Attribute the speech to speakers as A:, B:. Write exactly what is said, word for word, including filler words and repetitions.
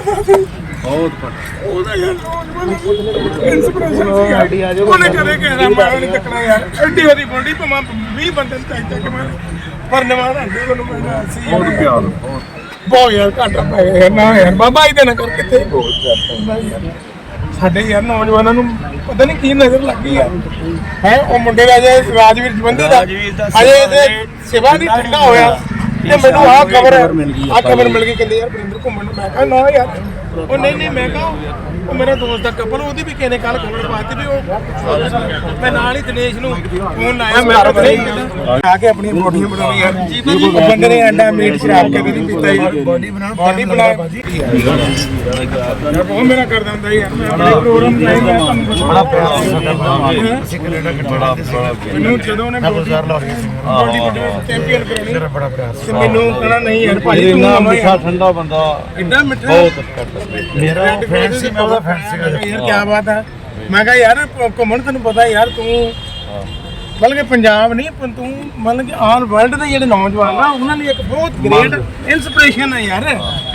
A: ਬਹੁਤ
B: ਉਹਦਾ ਯਾਰ ਇੰਸਪੀਰੇਸ਼ਨ ਸੀ ਯਾਰ। ਉਹਨੇ ਕਦੇ ਕਹਿਣਾ ਮਾਰਾ ਨਹੀਂ ਤੱਕਣਾ ਯਾਰ। ਐਡੀ ਵਾਰੀ ਬੋਲਦੀ ਭਾਵੇਂ ਵੀਹ ਬੰਦੇ ਨੂੰ ਚਾਹੀਦਾ ਕਿ ਮੈਂ ਪਰ ਨਿਵਾਰ ਆਂਦੇ ਉਹਨੂੰ ਮੈਂ ਸੀ
A: ਬਹੁਤ ਪਿਆਰ ਬਹੁਤ
B: ਬਹੁਤ ਯਾਰ ਘਾਟਾ ਪੈ ਗਿਆ ਯਾਰ। ਨਾ ਯਾਰ ਬਾਬਾ ਇਹਦੇ ਨਾਲ ਕਰ ਕਿੱਥੇ ਯਾਰ ਸਾਡੇ ਯਾਰ ਨੌਜਵਾਨਾਂ ਨੂੰ ਪਤਾ ਨਹੀਂ ਕੀ ਨਜ਼ਰ ਲੱਗ ਗਈ ਯਾਰ ਹੈ। ਉਹ ਮੁੰਡੇ ਦਾ ਜੇ ਰਾਜਵੀਰ ਜਵੰਦੀ ਦਾ ਅਜੇ ਇਹਦੇ ਸਿਵਾ ਨਹੀਂ ਠੰਡਾ ਹੋਇਆ ਤੇ ਮੈਨੂੰ ਆਹ ਖਬਰ ਆਹ ਖਬਰ ਮਿਲ ਗਈ ਕਹਿੰਦੇ ਯਾਰ ਵਰਿੰਦਰ ਘੁੰਮਣ ਨੂੰ। ਮੈਂ ਕਿਹਾ ਨਾ ਯਾਰ ਉਹ ਨਹੀਂ ਨਹੀਂ ਮੈਂ ਕਿਹਾ ਉਹ ਮੇਰਾ ਦੋਸਤ ਦਾ ਕਪਲ ਉਹਦੀ ਵੀ ਕਿਸੇ ਨੇ ਕੱਲ ਖਬਰ ਪਾਤੀ ਵੀ ਉਹ ਮੈਂ ਨਾਲ ਹੀ ਦਿਨੇਸ਼ ਨੂੰ ਫੋਨ ਲਾਇਆ ਮੈਂ ਆ ਕੇ ਆਪਣੀ ਬੋਡੀਆਂ ਬਣਾਉਣੀ ਯਾਰ। ਉਹ ਬੰਦੇ ਨੇ ਅੰਡਾ ਮੀਟ ਸ਼ਰਾਬ ਕੇ ਵੀ ਨਹੀਂ ਪੀਤਾ ਯਾਰ। ਬੋਡੀ ਬਣਾਉਣ ਬੋਡੀ ਬਣਾ ਯਾਰ ਬਹੁਤ ਮੇਰਾ ਕਰਦਾ ਹੁੰਦਾ ਯਾਰ। ਮੈਂ ਆਪਣੇ ਪ੍ਰੋਗਰਾਮ ਲਾਈ ਮੈਂ ਤੁਹਾਨੂੰ ਬੜਾ ਪਿਆਰ ਅਸੀਂ ਕੈਨੇਡਾ ਕੈਨੇਡਾ ਮੈਨੂੰ ਜਦੋਂ ਉਹਨੇ ਬੋਡੀ ਬੋਡੀ ਚੈਂਪੀਅਨ ਕਰਾਉਣੀ ਬੜਾ ਪਿਆਰ ਤੇ ਮੈਨੂੰ ਕਹਣਾ ਨਹੀਂ ਯਾਰ ਭਾਜੀ ਤੂੰ
A: ਮਿੱਠਾ ਠੰਡਾ ਬੰਦਾ
B: ਇੰਨਾ ਮਿੱਠਾ
A: ਬਹੁਤ
B: ਮੇਰਾ ਫਰੈਂਡ ਸੀ ਮੈਂ ਉਹਦਾ ਫਰੈਂਡ ਸੀਗਾ ਯਾਰ। ਕੀ ਬਾਤ ਹੈ। ਮੈਂ ਕਿਹਾ ਯਾਰ ਘੁੰਮਣ ਤੈਨੂੰ ਪਤਾ ਯਾਰ ਤੂੰ ਮਤਲਬ ਕਿ ਪੰਜਾਬ ਨਹੀਂ ਤੂੰ ਮਤਲਬ ਕਿ ਆਲ ਵਰਲਡ ਦੇ ਜਿਹੜੇ ਨੌਜਵਾਨ ਆ ਉਹਨਾਂ ਲਈ ਇੱਕ ਬਹੁਤ ਗ੍ਰੇਟ ਇਨਸਪੀਰੇਸ਼ਨ ਹੈ ਯਾਰ।